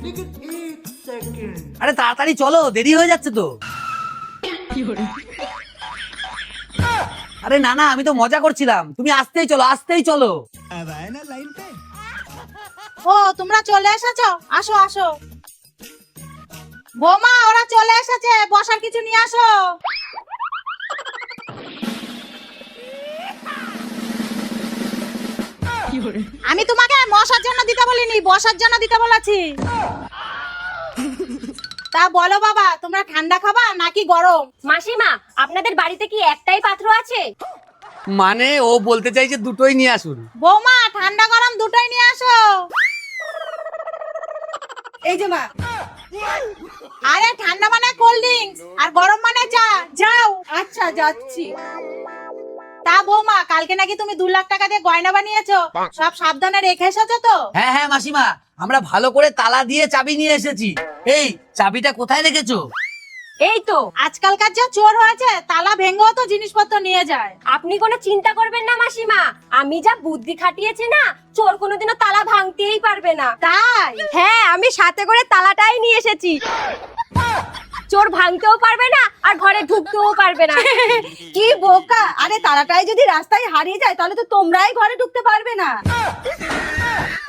আরে তাড়াতাড়ি চলো, দেরি হয়ে যাচ্ছে তো। আরে না না, আমি তো মজা করছিলাম, তুমি আসতেই চলো, আসতেই চলো। ও তোমরা চলে এসেছো, আসো আসো। বৌমা ওরা চলে এসেছে, বসার কিছু নিয়ে আসো। আমি তোমাকে মশার জন্য দিতে বলিনি, বসার জন্য দিতে বলেছি। তা বলো বাবা, তোমরা ঠান্ডা খাবা নাকি গরম? মাসিমা, আপনাদের বাড়িতে কি একটাই পাত্র আছে? মানে ও বলতে চাইছে দুটোই নিয়ে আসুন। বৌমা ঠান্ডা গরম দুটোই নিয়ে আসো। এই যে মা। আরে ঠান্ডা মানে কোল্ড ড্রিঙ্কস আর গরম মানে চা। যাও। আচ্ছা যাচ্ছি। তা বৌমা, কালকে নাকি তুমি 2 লাখ টাকা দিয়ে গয়না বানিয়েছো, সব সাবধানে রেখে এসেছো তো? হ্যাঁ হ্যাঁ মাসিমা, আমরা ভালো করে তালা দিয়ে চাবি নিয়ে এসেছি। এই চাবিটা কোথায় রেখেছো? এই তো। আজকালকার যা চোর হয়েছে, তালা ভেঙেও তো জিনিসপত্র নিয়ে যায়। আপনি কোনো চিন্তা করবেন না মাসিমা, আমি যা বুদ্ধি খাটিয়েছি না, চোর কোনোদিনও তালা ভাঙতেই পারবে না। তাই? হ্যাঁ, আমি সাথে করে তালাটাই নিয়ে এসেছি। চোর ভাঙতেও পারবে না আর ঘরে ঢুকতেও পারবে না। কি বোকা! আরে তালাটাই যদি রাস্তায় হারিয়ে যায়, তাহলে তো তোমরাই ঘরে ঢুকতে পারবে না।